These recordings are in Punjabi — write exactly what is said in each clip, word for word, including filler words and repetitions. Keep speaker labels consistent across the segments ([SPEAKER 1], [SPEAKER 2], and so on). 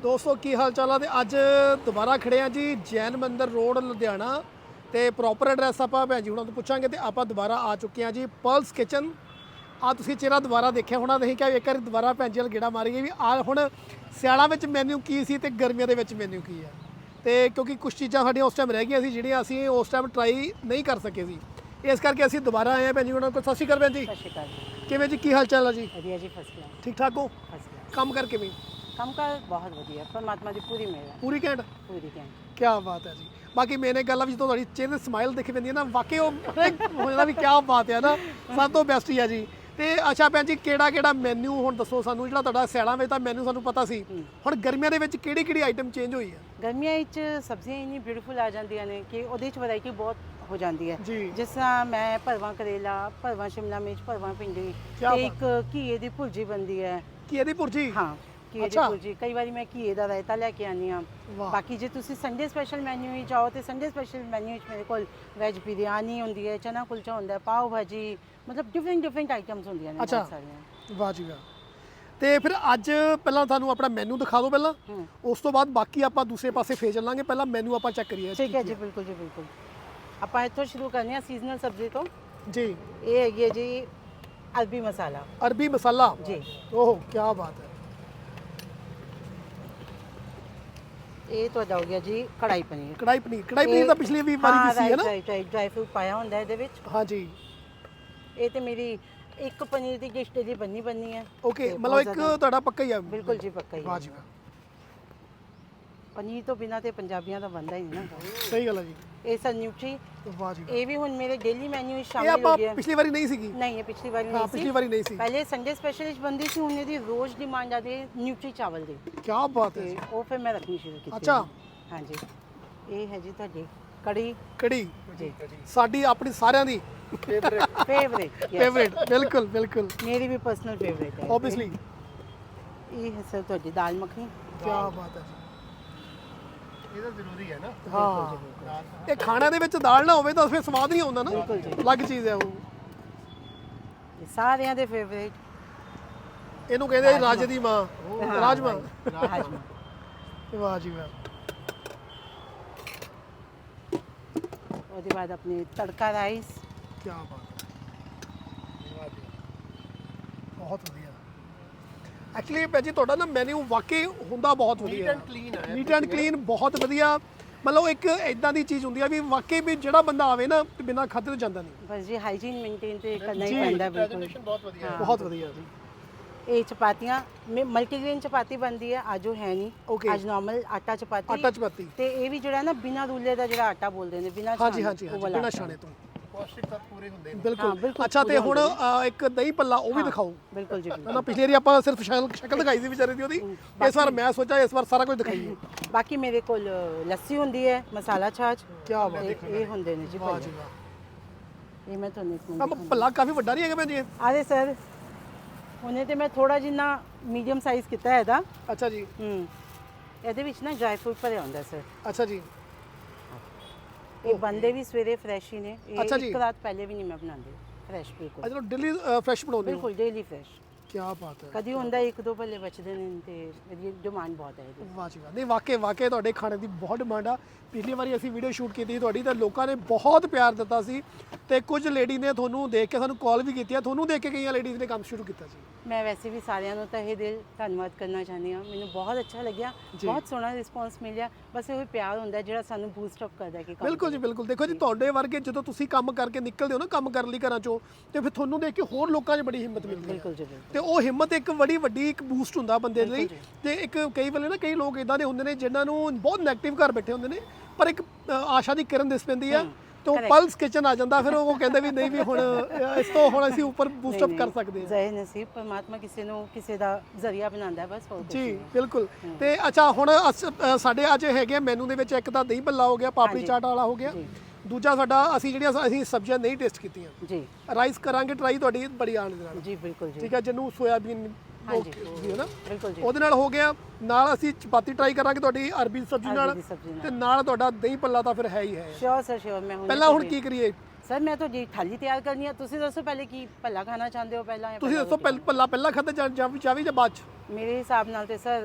[SPEAKER 1] ਦੋਸਤੋ ਕੀ ਹਾਲ ਚਾਲ ਆ ਤੇ ਅੱਜ ਦੁਬਾਰਾ ਖੜੇ ਆ ਜੀ ਜੈਨ ਮੰਦਿਰ ਰੋਡ ਲੁਧਿਆਣਾ ਤੇ ਪ੍ਰੋਪਰ ਐਡਰੈਸ ਆਪਾਂ ਭੈਣ ਜੀ ਹੁਣਾਂ ਤੋਂ ਪੁੱਛਾਂਗੇ ਤੇ ਆਪਾਂ ਦੁਬਾਰਾ ਆ ਚੁੱਕੇ ਆ ਜੀ ਪਰਲਸ ਕਿਚਨ। ਆ ਤੁਸੀਂ ਚਿਹਰਾ ਦੁਬਾਰਾ ਦੇਖਿਆ ਹੋਣਾ, ਨਹੀਂ ਕਿ ਇੱਕ ਵਾਰ ਦੁਬਾਰਾ ਭੈਣ ਜੀ ਨਾਲ ਗੇੜਾ ਮਾਰੀਏ ਵੀ ਆ ਹੁਣ ਸਿਆਲਾਂ ਵਿੱਚ ਮੈਨੂ ਕੀ ਸੀ ਤੇ ਗਰਮੀਆਂ ਦੇ ਵਿੱਚ ਮੈਨੂ ਕੀ ਹੈ। ਤੇ ਕਿਉਂਕਿ ਕੁਝ ਚੀਜ਼ਾਂ ਸਾਡੀਆਂ ਉਸ ਟਾਈਮ ਰਹਿ ਗਈਆਂ ਸੀ ਜਿਹੜੀਆਂ ਅਸੀਂ ਉਸ ਟਾਈਮ ਟਰਾਈ ਨਹੀਂ ਕਰ ਸਕੇ ਸੀ, ਇਸ ਕਰਕੇ ਅਸੀਂ ਦੁਬਾਰਾ ਆਏ ਆ ਭੈਣ ਜੀ ਉਹਨਾਂ ਕੋਲ। ਸਤਿ ਸ਼੍ਰੀ ਅਕਾਲ ਭੈਣ ਜੀ।
[SPEAKER 2] ਸਤਿ ਸ਼੍ਰੀ ਅਕਾਲ ਜੀ।
[SPEAKER 1] ਕਿਵੇਂ ਜੀ, ਕੀ ਹਾਲ ਚਾਲ ਆ ਜੀ?
[SPEAKER 2] ਵਧੀਆ ਜੀ, ਫਸਟ ਕਲਾਸ।
[SPEAKER 1] ਠੀਕ ਠਾਕ ਹੋ?
[SPEAKER 2] First class.
[SPEAKER 1] ਕੰਮ ਕਰ ਕਿਵੇਂ?
[SPEAKER 2] ਕੰਮ ਕਰ ਬਹੁਤ ਵਧੀਆ, ਪਰਮਾਤਮਾ ਦੀ ਪੂਰੀ ਮਿਹਰ ਹੈ।
[SPEAKER 1] ਪੂਰੀ ਘੈਂਟ?
[SPEAKER 2] ਪੂਰੀ ਘੈਂਟ।
[SPEAKER 1] ਕੀ ਬਾਤ ਹੈ ਜੀ। ਬਾਕੀ ਮੈਨੇ ਗੱਲ ਆ ਵੀ ਜਦੋਂ ਤੁਹਾਡੀ ਚਿਹਰੇ ਤੇ ਸਮਾਈਲ ਦਿਖ ਪੈਂਦੀ ਹੈ ਨਾ, ਵਾਕਈ ਉਹ ਹੋ ਜਾਂਦਾ ਵੀ ਕੀ ਬਾਤ ਹੈ ਨਾ, ਸਭ ਤੋਂ ਬੈਸਟ ਹੀ ਆ ਜੀ। ਤੇ ਅੱਛਾ ਭੈਣ ਜੀ, ਕਿਹੜਾ ਕਿਹੜਾ ਮੈਨੂ ਹੁਣ ਦੱਸੋ ਸਾਨੂੰ, ਜਿਹੜਾ ਤੁਹਾਡਾ ਸਿਆਲਾਂ ਵਿੱਚ ਤਾਂ ਮੈਨੂ ਸਾਨੂੰ ਪਤਾ ਸੀ, ਹੁਣ ਗਰਮੀਆਂ ਦੇ ਵਿੱਚ ਕਿਹੜੀ ਕਿਹੜੀ ਆਈਟਮ ਚੇਂਜ ਹੋਈ ਹੈ?
[SPEAKER 2] ਗਰਮੀਆਂ ਵਿੱਚ ਸਬਜ਼ੀਆਂ ਇੰਨੀ ਬਿਊਟੀਫੁਲ ਆ ਜਾਂਦੀਆਂ ਨੇ ਕਿ ਉਹਦੇ ਵਿੱਚ ਵੈਰਾਈਟੀ ਬਹੁਤ ਹੋ ਜਾਂਦੀ ਹੈ।
[SPEAKER 1] ਜੀ।
[SPEAKER 2] ਜਿਸ ਤਰ੍ਹਾਂ ਮੈਂ ਭਰਵਾਂ ਕਰੇਲਾ, ਭਰਵਾਂ ਸ਼ਿਮਲਾ ਮਿਰਚ, ਭਰਵਾਂ ਭਿੰਡੀ
[SPEAKER 1] ਕਿਆ
[SPEAKER 2] ਤੇ ਇੱਕ ਘੀਏ ਦੀ ਭੁਰਜੀ ਬਣਦੀ ਹੈ।
[SPEAKER 1] ਘੀਏ ਦੀ ਭੁਰਜੀ?
[SPEAKER 2] ਹਾਂ, ਘੀਏ ਦੀ
[SPEAKER 1] ਅੱਛਾ।
[SPEAKER 2] ਭੁਰਜੀ। ਕਈ ਵਾਰੀ ਮੈਂ ਘੀਏ ਦਾ ਰਾਇਤਾ ਲੈ ਕੇ ਆਉਂਦੀ ਹਾਂ।
[SPEAKER 1] ਵਾਹ।
[SPEAKER 2] ਬਾਕੀ ਜੇ ਤੁਸੀਂ ਸੰਡੇ ਸਪੈਸ਼ਲ ਮੈਨੂ ਵਿੱਚ ਜਾਓ ਤੇ ਸੰਡੇ ਸਪੈਸ਼ਲ ਮੈਨੂ ਵਿੱਚ ਮੇਰੇ ਕੋਲ ਵੈਜ ਬਿਰਿਆਨੀ ਹੁੰਦੀ ਹੈ, ਚਨਾ ਕੁਲਚਾ ਹੁੰਦਾ ਹੈ, ਪਾਓ ਭਾਜੀ, ਮਤਲਬ ਡਿਫਰੈਂਟ ਡਿਫਰੈਂਟ ਆਈਟਮਸ ਹੁੰਦੀਆਂ ਨੇ
[SPEAKER 1] ਅੱਛਾ।
[SPEAKER 2] ਬਹੁਤ ਸਾਰੀਆਂ।
[SPEAKER 1] ਵਾਹ ਜੀ ਵਾਹ। ਤੇ ਫਿਰ ਅੱਜ ਪਹਿਲਾਂ ਤੁਹਾਨੂੰ ਆਪਣਾ ਮੈਨੂ ਦਿਖਾ ਦਿਓ ਪਹਿਲਾਂ, ਉਸ ਤੋਂ ਬਾਅਦ ਬਾਕੀ ਆਪਾਂ ਦੂਸਰੇ ਪਾਸੇ ਫੇਰ ਚੱਲਾਂਗੇ। ਪਹਿਲਾਂ ਮੈਨੂ ਆਪਾਂ ਚੈੱਕ ਕਰੀਏ।
[SPEAKER 2] ਠੀਕ ਹੈ ਜੀ, ਬਿਲਕੁਲ ਜੀ, ਬਿਲਕੁਲ। ਆਪਾਂ ਇੱਥੋਂ ਸ਼ੁਰੂ ਕਰਨੇ ਆ ਸੀਜ਼ਨਲ ਸਬਜ਼ੀ ਤੋਂ।
[SPEAKER 1] ਜੀ।
[SPEAKER 2] ਇਹ ਹੈਗੀ ਹੈ ਜੀ ਅਰਬੀ ਮਸਾਲਾ।
[SPEAKER 1] ਅਰਬੀ ਮਸਾਲਾ?
[SPEAKER 2] ਜੀ।
[SPEAKER 1] ਓਹ ਕੀ ਬਾਤ ਹੈ।
[SPEAKER 2] ਇਹ ਤੁਹਾਡਾ ਹੋ ਗਿਆ ਜੀ ਕੜਾਈ ਪਨੀਰ।
[SPEAKER 1] ਕੜਾਈ ਪਨੀਰ? ਕੜਾਈ ਪਨੀਰ ਤਾਂ ਪਿਛਲੀ ਵੀ ਵਾਰੀ ਵੀ ਸੀ ਹੈ ਨਾ?
[SPEAKER 2] ਰਾਈਟ ਰਾਈਟ, ਡਰਾਈ ਫਰੂਟ ਪਾਇਆ ਹੁੰਦਾ ਇਹਦੇ ਵਿੱਚ।
[SPEAKER 1] ਹਾਂ ਜੀ।
[SPEAKER 2] ਇਹ ਤੇ ਮੇਰੀ ਇੱਕ ਪਨੀਰ ਦੀ ਡਿਸ਼ ਦੀ ਬੰਨੀ ਬੰਨੀ ਹੈ।
[SPEAKER 1] ਓਕੇ, ਮਤਲਬ ਇੱਕ ਤੁਹਾਡਾ ਪੱਕਾ ਹੀ ਆ?
[SPEAKER 2] ਬਿਲਕੁਲ ਜੀ, ਪੱਕਾ ਹੀ।
[SPEAKER 1] ਵਾਹ ਜੀ ਵਾਹ।
[SPEAKER 2] ਪਨੀਰ ਤੋਂ ਬਿਨਾ ਤੇ ਪੰਜਾਬੀਆਂ ਦਾ ਬਣਦਾ ਹੀ ਨਹੀਂ ਨਾ।
[SPEAKER 1] ਸਹੀ ਗੱਲ ਹੈ ਜੀ।
[SPEAKER 2] ਇਹ ਸਰ ਨਿਊਟਰੀ।
[SPEAKER 1] ਵਾਹ ਜੀ।
[SPEAKER 2] ਇਹ ਵੀ ਹੁਣ ਮੇਰੇ ਡੇਲੀ ਮੈਨੂ ਵਿੱਚ
[SPEAKER 1] ਇਹ
[SPEAKER 2] ਸ਼ਾਮਿਲ ਹੋ
[SPEAKER 1] ਆਪਾਂ
[SPEAKER 2] ਗਿਆ।
[SPEAKER 1] ਪਿਛਲੀ ਵਾਰੀ ਨਹੀਂ ਸੀਗੀ?
[SPEAKER 2] ਨਹੀਂ, ਇਹ ਪਿਛਲੀ ਵਾਰੀ
[SPEAKER 1] ਹਾਂ,
[SPEAKER 2] ਨਹੀਂ
[SPEAKER 1] ਪਿਛਲੀ
[SPEAKER 2] ਸੀ।
[SPEAKER 1] ਵਾਰੀ ਨਹੀਂ ਸੀ।
[SPEAKER 2] ਪਹਿਲੇ ਸੰਡੇ ਸਪੈਸ਼ਲ ਵਿੱਚ ਬੰਦੀ ਸੀ, ਹੁਣ ਇਹਦੀ ਰੋਜ਼ ਡਿਮਾਂਡ ਆਦੀ ਹੈ ਨਿਊਟਰੀ ਚਾਵਲ ਦੀ।
[SPEAKER 1] ਕੀ ਬਾਤ ਹੈ
[SPEAKER 2] ਤੇ
[SPEAKER 1] ਜੀ।
[SPEAKER 2] ਉਹ ਫਿਰ ਮੈਂ ਰੱਖਣੀ ਸ਼ੁਰੂ ਕੀਤੀ।
[SPEAKER 1] ਅੱਛਾ।
[SPEAKER 2] ਹਾਂਜੀ। ਇਹ ਹੈ ਜੀ ਤੁਹਾਡੀ ਕੜੀ।
[SPEAKER 1] ਕੜੀ?
[SPEAKER 2] ਜੀ।
[SPEAKER 1] ਸਾਡੀ ਆਪਣੀ ਸਾਰਿਆਂ ਦੀ ਫੇਵਰੇਟ।
[SPEAKER 2] ਫੇਵਰੇਟ।
[SPEAKER 1] ਫੇਵਰੇਟ, ਬਿਲਕੁਲ ਬਿਲਕੁਲ।
[SPEAKER 2] ਮੇਰੀ ਵੀ ਪਰਸਨਲ ਫੇਵਰੇਟ ਹੈ
[SPEAKER 1] ਆਬਵੀਅਸਲੀ।
[SPEAKER 2] ਇਹ ਹੈ ਸਰ ਤੁਹਾਡੀ ਦਾਲ ਮੱਖਣੀ।
[SPEAKER 1] ਕੀ ਬਾਤ ਹੈ ਜੀ।
[SPEAKER 3] ਇਹ ਤਾਂ ਜ਼ਰੂਰੀ ਹੈ ਨਾ।
[SPEAKER 1] ਹਾਂ, ਇਹ ਖਾਣਾ ਦੇ ਵਿੱਚ ਦਾਲ ਨਾ ਹੋਵੇ ਤਾਂ ਫਿਰ ਸਵਾਦ ਨਹੀਂ ਆਉਂਦਾ ਨਾ।
[SPEAKER 2] ਬਿਲਕੁਲ ਜੀ।
[SPEAKER 1] ਅਲੱਗ ਚੀਜ਼ ਹੈ ਉਹ।
[SPEAKER 2] ਇਹ ਸਾਰਿਆਂ ਦੇ ਫੇਵਰੇਟ।
[SPEAKER 1] ਇਹਨੂੰ ਕਹਿੰਦੇ ਰਾਜ ਦੀ ਮਾਂ, ਰਾਜਮਾ।
[SPEAKER 2] ਰਾਜਮਾ।
[SPEAKER 1] ਵਾਹ ਜੀ ਵਾਹ।
[SPEAKER 2] ਉਹਦੇ ਬਾਅਦ ਆਪਣੀ ਤੜਕਾ ਰਾਈਸ।
[SPEAKER 1] ਕੀ ਬਾਤ ਹੈ। ਬਹੁਤ ਵਧੀਆ। ਐਕਚੁਅਲੀ ਭਾਜੀ ਤੁਹਾਡਾ ਨਾ ਮੈਨੂ ਵਾਕਈ ਹੁੰਦਾ ਬਹੁਤ ਵਧੀਆ।
[SPEAKER 3] ਨੀਟ ਐਂਡ ਕਲੀਨ ਹੈ।
[SPEAKER 1] ਨੀਟ ਐਂਡ ਕਲੀਨ, ਬਹੁਤ ਵਧੀਆ। ਮਤਲਬ ਇੱਕ ਇਦਾਂ ਦੀ ਚੀਜ਼ ਹੁੰਦੀ ਆ ਵੀ ਵਾਕਈ ਵੀ ਜਿਹੜਾ ਬੰਦਾ ਆਵੇ ਨਾ ਤੇ ਬਿਨਾਂ ਖਾਧੇ ਤੋਂ ਜਾਂਦਾ ਨਹੀਂ।
[SPEAKER 2] ਬਸ ਜੀ, ਹਾਈਜੀਨ ਮੇਨਟੇਨ ਤੇ ਕਰਨਾ ਹੀ
[SPEAKER 1] ਜੀ।
[SPEAKER 2] ਪੈਂਦਾ। ਬਿਲਕੁਲ
[SPEAKER 3] ਪ੍ਰੈਜੈਂਟੇਸ਼ਨ ਬਹੁਤ ਵਧੀਆ ਹੈ।
[SPEAKER 1] ਬਹੁਤ ਵਧੀਆ ਜੀ।
[SPEAKER 2] ਇਹ ਚਪਾਤੀਆਂ ਮਲਟੀਗ੍ਰੇਨ ਚਪਾਤੀ ਬਣਦੀ ਹੈ। ਅੱਜ ਉਹ ਹੈ ਨਹੀਂ,
[SPEAKER 1] Okay।
[SPEAKER 2] ਅੱਜ ਨਾਰਮਲ ਆਟਾ ਚਪਾਤੀ।
[SPEAKER 1] ਆਟਾ ਚਪਾਤੀ।
[SPEAKER 2] ਤੇ ਇਹ ਵੀ ਜਿਹੜਾ ਨਾ ਬਿਨਾਂ ਰੂਲੇ ਦਾ ਜਿਹੜਾ ਆਟਾ ਬੋਲਦੇ ਨੇ, ਬਿਨਾਂ
[SPEAKER 1] ਹਾਂਜੀ ਹਾਂਜੀ
[SPEAKER 2] ਉਹ
[SPEAKER 1] ਹਾਂਜੀ,
[SPEAKER 2] ਵਾਲਾ
[SPEAKER 1] ਬਿਨਾਂ
[SPEAKER 2] ਆਟਾ।
[SPEAKER 1] ਛਾਣੇ ਤੋਂ।
[SPEAKER 3] ਪੌਸ਼ਟਿਕ ਤੱਤ ਪੂਰੇ ਹੁੰਦੇ ਨੇ।
[SPEAKER 2] ਹਾਂ,
[SPEAKER 1] ਬਿਲਕੁਲ।
[SPEAKER 2] ਬਿਲਕੁਲ
[SPEAKER 1] ਅੱਛਾ, ਤੇ
[SPEAKER 2] ਪੂਰੇ
[SPEAKER 1] ਹੁਣ
[SPEAKER 2] ਹੁੰਦੇ
[SPEAKER 1] ਅ, ਇੱਕ ਦਹੀਂ ਭੱਲਾ ਉਹ ਵੀ ਦਿਖਾਓ।
[SPEAKER 2] ਬਿਲਕੁਲ ਜੀ, ਬਿਲਕੁਲ।
[SPEAKER 1] ਨਾ ਪਿਛਲੀ ਵਾਰੀ ਆਪਾਂ ਸਿਰਫ ਸ਼ਕਲ ਸ਼ਕਲ ਦਿਖਾਈ ਸੀ ਵਿਚਾਰੇ ਦੀ ਉਹਦੀ, ਇਸ ਵਾਰ ਮੈਂ ਸੋਚਿਆ ਇਸ ਵਾਰ ਸਾਰਾ ਕੁਝ ਦਿਖਾਈਏ।
[SPEAKER 2] ਬਾਕੀ ਮੇਰੇ ਕੋਲ ਲੱਸੀ ਹੁੰਦੀ ਹੈ, ਮਸਾਲਾ ਛਾਛ।
[SPEAKER 1] ਕੀ ਬਾਤ ਹੈ।
[SPEAKER 2] ਇਹ ਇਹ ਹੁੰਦੇ ਨੇ ਜੀ
[SPEAKER 1] ਵਾਹ
[SPEAKER 2] ਭੱਲੇ।
[SPEAKER 1] ਜੀ ਵਾਹ।
[SPEAKER 2] ਇਹ ਮੈਂ ਤੁਹਾਨੂੰ ਇੱਕ
[SPEAKER 1] ਆ
[SPEAKER 2] ਮਿੰਟ
[SPEAKER 1] ਭੱਲਾ ਕਾਫੀ ਵੱਡਾ ਨਹੀਂ ਹੈਗਾ ਭੈਣ ਜੀ?
[SPEAKER 2] ਆਦੇ ਸਰ, ਉਹਨੇ ਤੇ ਮੈਂ ਥੋੜਾ ਜਿੰਨਾ ਮੀਡੀਅਮ ਸਾਈਜ਼ ਕੀਤਾ ਹੈ ਇਹਦਾ।
[SPEAKER 1] ਅੱਛਾ ਜੀ।
[SPEAKER 2] ਹੂੰ। ਇਹਦੇ ਵਿੱਚ ਨਾ ਡਰਾਈ ਫਰੂਟ ਭਰਿਆ ਹੁੰਦਾ ਸਰ।
[SPEAKER 1] ਅੱਛਾ ਜੀ।
[SPEAKER 2] ਇਹ ਬੰਦੇ ਵੀ ਸਵੇਰੇ ਫਰੈਸ਼ ਹੀ ਨੇ। ਇਹ
[SPEAKER 1] ਅੱਛਾ ਜੀ।
[SPEAKER 2] ਇੱਕ ਰਾਤ ਪਹਿਲੇ ਵੀ ਨਹੀਂ ਮੈਂ ਬਣਾਉਂਦੀ, ਫਰੈਸ਼ ਬਿਲਕੁਲ।
[SPEAKER 1] ਅਜਾ ਦਿੱਲੀ ਫਰੈਸ਼ ਬਣਾਉਂਦੇ ਹੋ?
[SPEAKER 2] ਬਿਲਕੁਲ ਡੇਲੀ ਫਰੈਸ਼।
[SPEAKER 1] ਕੀ ਬਾਤ ਹੈ।
[SPEAKER 2] ਕਦੀ ਹੁੰਦਾ ਇੱਕ ਦੋ ਭੱਲੇ ਬਚਦੇ ਨੇ ਤੇ ਇਹਦੀ ਡਿਮਾਂਡ ਬਹੁਤ ਹੈ ਇਹਦੀ।
[SPEAKER 1] ਵਾਹ ਜੀ ਵਾਹ। ਨਹੀਂ ਵਾਕਈ ਵਾਕਈ ਤੁਹਾਡੇ ਖਾਣੇ ਦੀ ਬਹੁਤ ਡਿਮਾਂਡ ਆ। ਪਿਛਲੀ ਵਾਰੀ ਅਸੀਂ ਵੀਡੀਓ ਸ਼ੂਟ ਕੀਤੀ ਸੀ ਤੁਹਾਡੀ, ਤਾਂ ਲੋਕਾਂ ਨੇ ਬਹੁਤ ਪਿਆਰ ਦਿੱਤਾ ਸੀ ਤੇ ਕੁਝ ਲੇਡੀ ਨੇ ਤੁਹਾਨੂੰ ਦੇਖ ਕੇ ਸਾਨੂੰ ਕਾਲ ਵੀ ਕੀਤੀ ਆ, ਤੁਹਾਨੂੰ ਦੇਖ ਕੇ ਕਈਆਂ ਲੇਡੀਜ਼ ਨੇ ਕੰਮ ਸ਼ੁਰੂ ਕੀਤਾ ਸੀ।
[SPEAKER 2] ਮੈਂ ਵੈਸੇ ਵੀ ਸਾਰਿਆਂ ਨੂੰ ਤਹਿ ਦਿਲ ਧੰਨਵਾਦ ਕਰਨਾ ਚਾਹੁੰਦੀ ਹਾਂ। ਮੈਨੂੰ ਬਹੁਤ ਅੱਛਾ ਲੱਗਿਆ, ਬਹੁਤ ਸੋਹਣਾ ਰਿਸਪੌਂਸ ਮਿਲਿਆ। ਬਸ ਇਹ ਪਿਆਰ ਹੁੰਦਾ ਜਿਹੜਾ ਸਾਨੂੰ ਬੂਸਟ ਅਪ ਕਰਦਾ ਕਿ ਕੰਮ
[SPEAKER 1] ਬਿਲਕੁਲ ਜੀ, ਬਿਲਕੁਲ। ਦੇਖੋ ਜੀ, ਤੁਹਾਡੇ ਵਰਗੇ ਜਦੋਂ ਤੁਸੀਂ ਕੰਮ ਕਰਕੇ ਨਿਕਲਦੇ ਹੋ ਨਾ, ਕੰਮ ਕਰਨ ਲਈ ਘਰਾਂ ਚੋਂ, ਤੇ ਫਿਰ ਤੁਹਾਨੂੰ ਦੇਖ ਕੇ ਹੋਰ ਲੋਕਾਂ 'ਚ ਬੜੀ ਹਿੰਮਤ ਮਿਲਦੀ ਹੈ।
[SPEAKER 2] ਬਿਲਕੁਲ ਜੀ, ਬਿਲਕੁਲ।
[SPEAKER 1] ਤੇ ਉਹ ਹਿੰਮਤ ਇੱਕ ਬੜੀ ਵੱਡੀ ਇੱਕ ਬੂਸਟ ਹੁੰਦਾ ਬੰਦੇ ਲਈ। ਤੇ ਇੱਕ ਕਈ ਵੇਲੇ ਨਾ ਕਈ ਲੋਕ ਇਦਾਂ ਦੇ ਹੁੰਦੇ ਨੇ ਜਿਨ੍ਹਾਂ ਨੂੰ ਬਹੁਤ ਨੈਗੇਟਿਵ ਘਰ ਬੈਠੇ ਹੁੰਦੇ ਨੇ, ਪਰ ਇੱਕ ਅ, ਆਸ਼ਾ ਦੀ ਕਿਰਨ ਦਿਸ ਪੈਂਦੀ ਆ ਤੇ ਉਹ ਪਲਸ ਕਿਚਨ ਆ ਜਾਂਦਾ, ਫਿਰ ਉਹ ਕਹਿੰਦੇ ਵੀ ਨਹੀਂ ਵੀ ਹੁਣ ਅ, ਇਸ ਤੋਂ ਹੁਣ ਅਸੀਂ ਉੱਪਰ ਬੂਸਟ ਅਪ ਕਰ ਸਕਦੇ ਹਾਂ।
[SPEAKER 2] ਜ਼ਹਿ ਨਸੀਬ ਪਰਮਾਤਮਾ ਕਿਸੇ ਨੂੰ ਕਿਸੇ ਦਾ ਜ਼ਰੀਆ ਬਣਾਉਂਦਾ, ਬਸ ਹੋਰ ਕੁਛ
[SPEAKER 1] ਜੀ
[SPEAKER 2] ਨਹੀਂ।
[SPEAKER 1] ਬਿਲਕੁਲ। ਤੇ ਅੱਛਾ, ਹੁਣ ਅਸ- ਅ, ਸਾਡੇ ਅੱਜ ਹੈਗੇ ਮੈਨੂ ਦੇ ਵਿੱਚ ਇੱਕ ਤਾਂ ਦਹੀਂ ਭੱਲਾ ਹੋ ਗਿਆ, ਪਾਪੜੀ ਚਾਟ ਵਾਲਾ ਹੋ ਗਿਆ। ਦੂਜਾ ਸਾਡਾ ਅਸੀਂ ਜਿਹੜੀਆਂ ਅਸੀਂ ਸਬਜ਼ੀਆਂ ਨਹੀਂ ਟੇਸਟ ਕੀਤੀਆਂ,
[SPEAKER 2] ਜੀ
[SPEAKER 1] ਰਾਈਸ ਕਰਾਂਗੇ ਟਰਾਈ ਤੁਹਾਡੀ ਬੜੀ ਆਣ ਦੇ ਨਾਲ।
[SPEAKER 2] ਜੀ ਬਿਲਕੁਲ ਜੀ।
[SPEAKER 1] ਠੀਕ ਹੈ, ਜਿਹਨੂੰ ਸੋਇਆਬੀਨ
[SPEAKER 2] ਹਾਂਜੀ
[SPEAKER 1] ਜੀ ਹੈ ਨਾ,
[SPEAKER 2] ਬਿਲਕੁਲ ਜੀ।
[SPEAKER 1] ਉਹਦੇ ਨਾਲ ਹੋ ਗਿਆ। ਨਾਲ ਅਸੀਂ ਚਪਾਤੀ ਟਰਾਈ ਕਰਾਂਗੇ ਤੁਹਾਡੀ ਅਰਬੀ ਦੀ ਸਬਜ਼ੀ ਨਾਲ,
[SPEAKER 2] ਅਰਬੀ ਦੀ ਸਬਜ਼ੀ ਨਾਲ।
[SPEAKER 1] ਤੇ ਨਾਲ ਤੁਹਾਡਾ ਦਹੀਂ ਭੱਲਾ ਤਾਂ ਫਿਰ ਹੈ ਹੀ ਹੈ।
[SPEAKER 2] Sure sir sure. ਮੈਂ ਹੁਣ
[SPEAKER 1] ਪਹਿਲਾਂ ਹੁਣ ਕੀ ਕਰੀਏ
[SPEAKER 2] ਸਰ? ਮੈਂ ਤਾਂ ਜੀ ਥਾਲੀ ਤਿਆਰ ਕਰਨੀ ਹੈ। ਤੁਸੀਂ ਦੱਸੋ ਪਹਿਲੇ ਕੀ ਭੱਲਾ ਖਾਣਾ ਚਾਹੁੰਦੇ ਹੋ ਪਹਿਲਾਂ?
[SPEAKER 1] ਤੁਸੀਂ ਦੱਸੋ, ਪਹਿਲਾਂ ਭੱਲਾ ਪਹਿਲਾਂ ਖਾਧਾ ਜਾਂ ਜਾਂ ਜਾਂ ਵੀ ਜਾਂ ਬਾਅਦ ਚ?
[SPEAKER 2] ਮੇਰੇ ਹਿਸਾਬ ਨਾਲ ਤੇ ਸਰ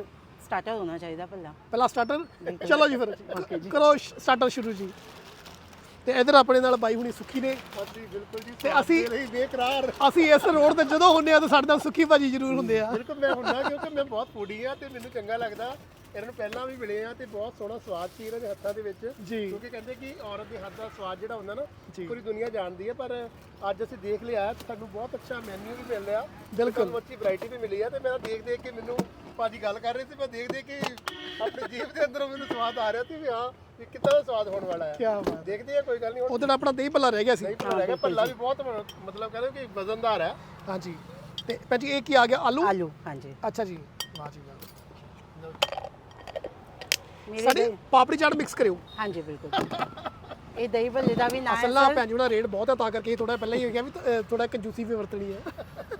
[SPEAKER 2] ਸਟਾਰਟਰ ਹੋਣਾ ਚਾਹੀਦਾ ਪਹਿਲਾਂ।
[SPEAKER 1] ਪਹਿਲਾ ਸਟਾਰਟਰ। ਚਲੋ ਜੀ ਫਿਰ ਕਰੋ ਸਟਾਰਟਰ ਸ਼ੁਰੂ ਜੀ। ਤੇ ਇਧਰ ਆਪਣੇ ਨਾਲ ਬਾਈ ਹੁਣੀ ਸੁੱਖੀ ਨੇ
[SPEAKER 3] ਹਾਂਜੀ ਬਿਲਕੁਲ ਜੀ।
[SPEAKER 1] ਤੇ ਅਸੀਂ
[SPEAKER 3] ਲਈ ਬੇਕਰਾਰ
[SPEAKER 1] ਅਸੀਂ ਇਸ ਰੋਡ ਤੇ ਜਦੋਂ ਹੁੰਨੇ ਆ ਤਾਂ ਸਾਡੇ ਨਾਲ ਸੁੱਖੀ ਭਾਜੀ ਜ਼ਰੂਰ ਹੁੰਦੇ ਆ।
[SPEAKER 3] ਬਿਲਕੁਲ ਮੈਂ ਹੁੰਦਾ ਕਿਉਂਕਿ ਮੈਂ ਬਹੁਤ ਫੂਡੀ ਆ ਤੇ ਮੈਨੂੰ ਚੰਗਾ ਲੱਗਦਾ। ਇਹਨਾਂ ਨੂੰ ਪਹਿਲਾਂ ਵੀ ਮਿਲੇ ਆ ਤੇ ਬਹੁਤ ਸੋਹਣਾ ਸਵਾਦ ਸੀ ਇਹਨਾਂ ਦੇ ਹੱਥਾਂ ਦੇ ਵਿੱਚ।
[SPEAKER 1] ਜੀ।
[SPEAKER 3] ਕਿਉਂਕਿ ਕਹਿੰਦੇ ਕਿ ਔਰਤ ਦੇ ਹੱਥ ਦਾ ਸਵਾਦ ਜਿਹੜਾ ਹੁੰਦਾ ਨਾ ਪੂਰੀ ਦੁਨੀਆ ਜਾਣਦੀ ਹੈ, ਪਰ ਅੱਜ ਅਸੀਂ ਦੇਖ ਲਿਆ ਸਾਨੂੰ ਬਹੁਤ ਅੱਛਾ ਮੈਨੂ ਵੀ ਮਿਲ ਰਿਹਾ।
[SPEAKER 1] ਬਿਲਕੁਲ।
[SPEAKER 3] ਸਾਨੂੰ ਅੱਛੀ ਵੈਰਾਈਟੀ ਵੀ ਮਿਲੀ ਆ ਤੇ ਮੈਂ ਦੇਖ ਦੇਖ ਕੇ ਮੈਨੂੰ ਭਾਜੀ ਗੱਲ ਕਰ ਰਹੇ ਸੀ, ਮੈਂ ਦੇਖ ਦੇਖ ਕੇ ਆਪਣੀ ਜੀਭ ਦੇ ਅੰਦਰੋਂ ਮੈਨੂੰ ਸਵਾਦ ਆ ਰਿਹਾ ਸੀ ਵੀ ਹਾਂ ਵੀ ਕਿੱਦਾਂ ਦਾ ਸਵਾਦ ਹੋਣ ਵਾਲਾ ਹੈ।
[SPEAKER 1] ਕੀ ਬਾਤ।
[SPEAKER 3] ਦੇਖਦੇ ਆ ਕੋਈ ਗੱਲ ਨਹੀਂ। ਹੁਣ
[SPEAKER 1] ਉਦੋਂ ਆਪਣਾ ਦਹੀਂ ਭੱਲਾ ਰਹਿ ਗਿਆ ਸੀ।
[SPEAKER 3] ਨਹੀਂ ਪਤਾ ਲੱਗਾ ਭੱਲਾ ਵੀ ਬਹੁਤ ਮਤਲਬ ਕਹਿੰਦੇ ਕਿ ਵਜ਼ਨਦਾਰ ਹੈ।
[SPEAKER 1] ਹਾਂਜੀ। ਤੇ ਭਾਜੀ ਇਹ ਕੀ ਆ ਗਿਆ? ਆਲੂ।
[SPEAKER 2] ਆਲੂ ਹਾਂਜੀ।
[SPEAKER 1] ਅੱਛਾ ਜੀ, ਵਾਹ ਜੀ ਵਾਹ।
[SPEAKER 2] ਮੇਰੇ
[SPEAKER 1] ਸਾਡੇ
[SPEAKER 2] ਦਹੀਂ-
[SPEAKER 1] ਪਾਪੜੀ ਚਾਟ ਮਿਕਸ ਕਰਿਓ।
[SPEAKER 2] ਹਾਂਜੀ ਬਿਲਕੁਲ। ਇਹ ਦਹੀਂ ਭੱਲੇ ਦਾ ਵੀ ਨਾਮ
[SPEAKER 1] ਅਸਲ ਨਾਲ ਭੈਣ ਜੀ ਉਹਨਾਂ ਰੇਟ ਬਹੁਤ ਹੈ ਤਾਂ ਕਰਕੇ ਥੋੜਾ ਪਹਿਲਾਂ ਹੀ ਕਿਹਾ ਵੀ ਥੋੜਾ ਕੰਜੂਸੀ ਵੀ ਵਰਤਣੀ ਹੈ।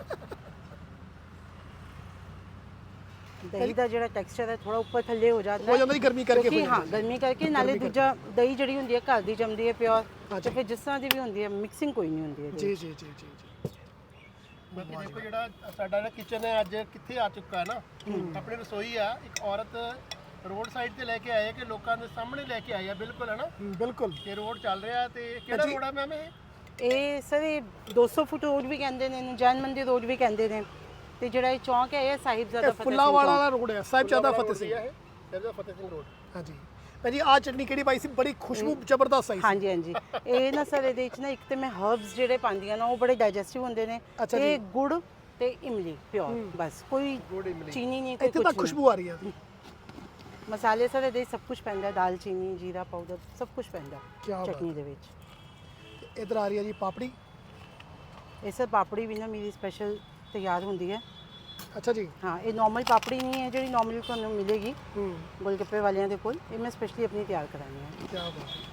[SPEAKER 2] ਦਹੀਂ ਦਾ ਜਿਹੜਾ ਟੈਕਸਚਰ ਹੈ ਥੋੜਾ ਉੱਪਰ ਥੱਲੇ ਹੋ ਜਾਂਦਾ
[SPEAKER 1] ਹੋ ਜਾਂਦਾ ਜੀ ਗਰਮੀ ਕਰਕੇ ਹੋ
[SPEAKER 2] ਕਿਉਂਕਿ ਹਾਂ
[SPEAKER 1] ਜਾਂਦਾ।
[SPEAKER 2] ਗਰਮੀ ਕਰਕੇ ਨਾਲੇ ਦੂਜਾ ਦਹੀਂ ਜਿਹੜੀ ਹੁੰਦੀ ਹੈ ਘਰ ਦੀ ਜੰਮਦੀ ਹੈ ਪਿਓਰ, ਤੇ ਫਿਰ ਜਿਸ ਤਰ੍ਹਾਂ ਦੀ ਵੀ ਹੁੰਦੀ ਹੈ ਮਿਕਸਿੰਗ ਕੋਈ ਨਹੀਂ ਹੁੰਦੀ ਹੈ
[SPEAKER 1] ਜੀ ਜੀ ਜੀ ਜੀ ਜੀ।
[SPEAKER 3] ਬਾਕੀ ਦੇਖੋ ਜਿਹੜਾ ਸਾਡਾ ਨਾ ਕਿਚਨ ਹੈ ਅੱਜ ਕਿੱਥੇ ਆ ਚੁੱਕਾ ਹੈ ਨਾ। ਆਪਣੀ ਰਸੋਈ ਆ ਇੱਕ ਔਰਤ ਰੋਡ ਸਾਈਡ ਤੇ ਲੈ ਕੇ ਆਏ ਕਿ ਲੋਕਾਂ ਦੇ ਸਾਹਮਣੇ ਲੈ ਕੇ ਆਈ ਆ। ਬਿਲਕੁਲ ਹੈ ਨਾ।
[SPEAKER 1] ਬਿਲਕੁਲ।
[SPEAKER 3] ਇਹ ਰੋਡ ਚੱਲ ਰਿਹਾ ਤੇ ਕਿਹੜਾ ਰੋਡ ਆ ਮੈਮ ਇਹ?
[SPEAKER 2] ਇਹ ਸਰ ਇਹ ਦੋ ਸੌ ਫੁੱਟ ਰੋਡ ਵੀ ਕਹਿੰਦੇ ਨੇ ਇਹਨੂੰ, ਜੈਨ ਮੰਦਿਰ ਰੋਡ ਵੀ ਕਹਿੰਦੇ ਨੇ, ਤੇ ਜਿਹੜਾ ਇਹ ਚੌਂਕ ਹੈ ਇਹ ਸਾਹਿਬਜ਼ਾਦਾ ਫਤਿਹ ਸਿੰਘ
[SPEAKER 1] ਫੁੱਲਾਵਾਲਾ
[SPEAKER 2] ਚੌਂਕ।
[SPEAKER 1] ਵਾਲਾ ਰੋਡ ਹੈ, ਸਾਹਿਬਜ਼ਾਦਾ ਫਤਿਹ ਸਿੰਘ।
[SPEAKER 3] ਇਹ ਸਾਹਿਬਜ਼ਾਦਾ ਫਤਿਹ ਸਿੰਘ ਰੋਡ।
[SPEAKER 1] ਹਾਂਜੀ ਭਾਜੀ ਜੀ, ਆਹ ਚਟਨੀ ਕਿਹੜੀ ਪਾਈ ਸੀ? ਬੜੀ ਖੁਸ਼ਬੂ ਜ਼ਬਰਦਸਤ ਆਈ ਸੀ।
[SPEAKER 2] ਹਾਂਜੀ ਹਾਂਜੀ। ਇਹ ਨਾ ਸਰ ਇਹਦੇ ਵਿੱਚ ਨਾ ਇੱਕ ਤੇ ਮੈਂ ਹਰਬਸ ਜਿਹੜੇ ਪਾਉਂਦੀਆਂ ਨਾ ਉਹ ਬੜੇ ਡਾਈਜੈਸਟਿਵ ਹੁੰਦੇ ਨੇ,
[SPEAKER 1] ਅੱਛਾ
[SPEAKER 2] ਤੇ ਗੁੜ ਤੇ ਇਮਲੀ ਪਿਓਰ, ਬਸ ਕੋਈ ਚੀਨੀ ਨਹੀਂ, ਕੋਈ
[SPEAKER 1] ਇੱਥੇ ਤਾਂ
[SPEAKER 2] ਕੁਝ
[SPEAKER 1] ਖੁਸ਼ਬੂ ਆ ਰਹੀ ਹੈ।
[SPEAKER 2] ਮਸਾਲੇ ਸਰ ਇਹਦੇ ਵਿੱਚ ਸਭ ਕੁਝ ਪੈਂਦਾ, ਦਾਲਚੀਨੀ, ਜੀਰਾ ਪਾਊਡਰ, ਸਭ ਕੁਝ ਪੈਂਦਾ
[SPEAKER 1] ਕਿਆ ਬਾਤ।
[SPEAKER 2] ਚਟਨੀ ਦੇ ਵਿੱਚ।
[SPEAKER 1] ਇਧਰ ਆ ਰਹੀ ਹੈ ਜੀ ਪਾਪੜੀ।
[SPEAKER 2] ਇਹ ਸਰ ਪਾਪੜੀ ਵੀ ਨਾ ਮੇਰੀ ਸਪੈਸ਼ਲ ਤਿਆਰ ਹੁੰਦੀ ਹੈ।
[SPEAKER 1] ਅੱਛਾ ਜੀ।
[SPEAKER 2] ਹਾਂ ਇਹ ਨਾਰਮਲ ਪਾਪੜੀ ਨਹੀਂ ਹੈ ਜਿਹੜੀ ਨਾਰਮਲੀ ਤੁਹਾਨੂੰ ਮਿਲੇਗੀ
[SPEAKER 1] ਹੂੰ।
[SPEAKER 2] ਗੋਲਗੱਪੇ ਵਾਲਿਆਂ ਦੇ ਕੋਲ, ਇਹ ਮੈਂ ਸਪੈਸ਼ਲੀ ਆਪਣੀ ਤਿਆਰ ਕਰਾਣੀ ਹੈ।
[SPEAKER 1] ਕੀ ਬਾਤ ਹੈ।